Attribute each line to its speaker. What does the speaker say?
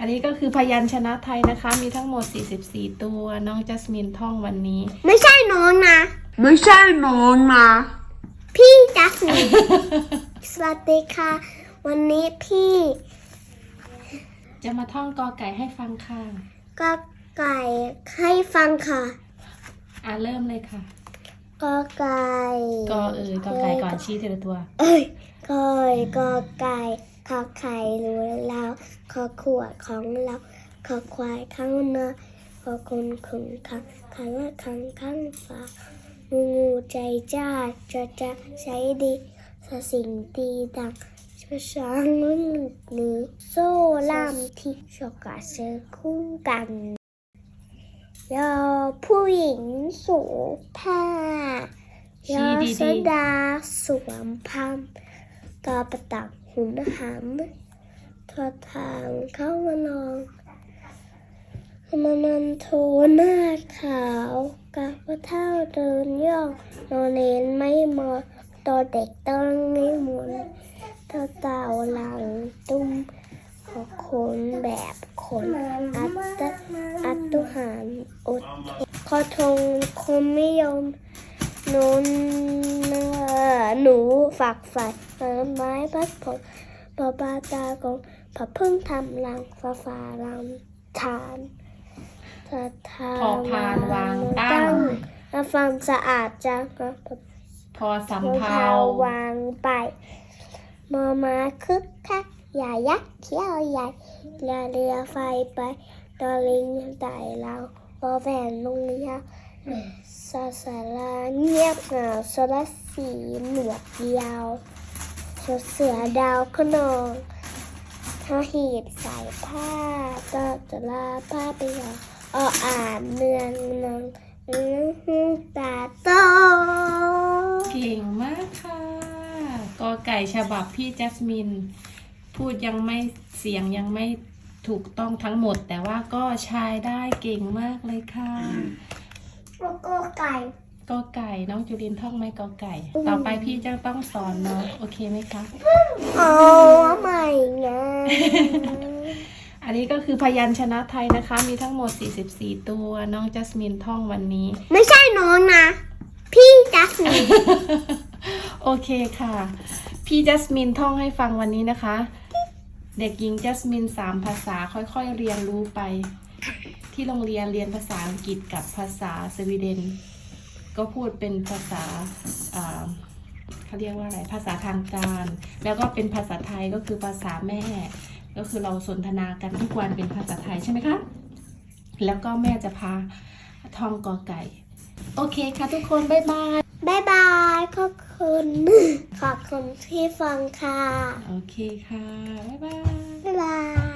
Speaker 1: อันนี้ก็คือพยัญชนะไทยนะคะมีทั้งหมด44ตัวน้องจัสมินท่องวันนี้
Speaker 2: ไม่ใช่น้องนะพี่จัสมิน สวัสดีค่ะวันนี้พี่
Speaker 1: จะมาท่องกอไก่ให้ฟังค่ะ
Speaker 2: กอไก่ให้ฟังค่ะ
Speaker 1: เริ่มเลยค่ะ
Speaker 2: กอไก่
Speaker 1: กอไก่ก่อนชี้ทีละตัว
Speaker 2: กอไก่ขอไข่รู้แล้วขอขวดของเราขอควายข้างหน้าขอคนขุนขังขันละขังข้างฟ้างูใจจ้าจะใช้ดีสิ่งดีดังช้างนุ่นหรือโซ่ล่ามที่ชกาเสือคู่กันยอผู้หญิงสูผ้ายอสดาสวมพัมกอประตักหุ่นหำทอทางเข้ามานองมานันโทหน้าขาวกะพระเท่าเดินย่องนอนเน้นไม่มอตอเด็กต้องไม่หมุนเท่าเต่าหลังตุ้มขอขนแบบขนอัตุหารอดคอทงคมไม่ยอมหนูฝักใฝ่ไม้พัดผลปอปาตากงผับพึ่งทำรังฟ้ารังฐาน
Speaker 1: พอพานวางตั้ง
Speaker 2: ฟังสะอาดจัง
Speaker 1: พอสำเภาว
Speaker 2: างไปมอมาคึกคักอย่ายักเขี้ยวใหญ่เรือไฟไปตอลิงไต่เราพอแผ่นลงยาสาสาราเงียบเหงาสระสีหนวดยาวเสือดาวขนองถ้าหีบใส่ผ้าก็จะลาผ้าไปอ่านเนืองตาโต
Speaker 1: เก่งมากค่ะกอไก่ฉบับพี่จัสมินพูดยังไม่เสียงยังไม่ถูกต้องทั้งหมดแต่ว่าก็ใช้ได้เก่งมากเลยค่ะ
Speaker 2: กอไก่
Speaker 1: น้องจุลินท่องไหมกอไก่ต่อไปพี่จะต้องสอนเนาะโอเคไหมคะ
Speaker 2: ใหม่ไง
Speaker 1: อันนี้ก็คือพยัญชนะไทยนะคะมีทั้งหมด44ตัวน้องจัสมินท่องวันนี้
Speaker 2: ไม่ใช่น้องนะพี่จัสมิน
Speaker 1: โอเคค่ะพี่จัสมินท่องให้ฟังวันนี้นะคะเด็กหญิงจัสมิน3ภาษาค่อยๆเรียนรู้ไปที่โรงเรียนภาษาอังกฤษกับภาษาสวีเดนก็พูดเป็นภาษาเขาเรียกว่าอะไรภาษาทางการแล้วก็เป็นภาษาไทยก็คือภาษาแม่ก็คือเราสนทนากันทุกวันเป็นภาษาไทยใช่ไหมคะแล้วก็แม่จะพาท่องกอไก่โอเคค่ะทุกคนบ๊ายบาย
Speaker 2: ขอบคุณที่ฟังค่ะ
Speaker 1: โอเคค่ะบ๊ายบาย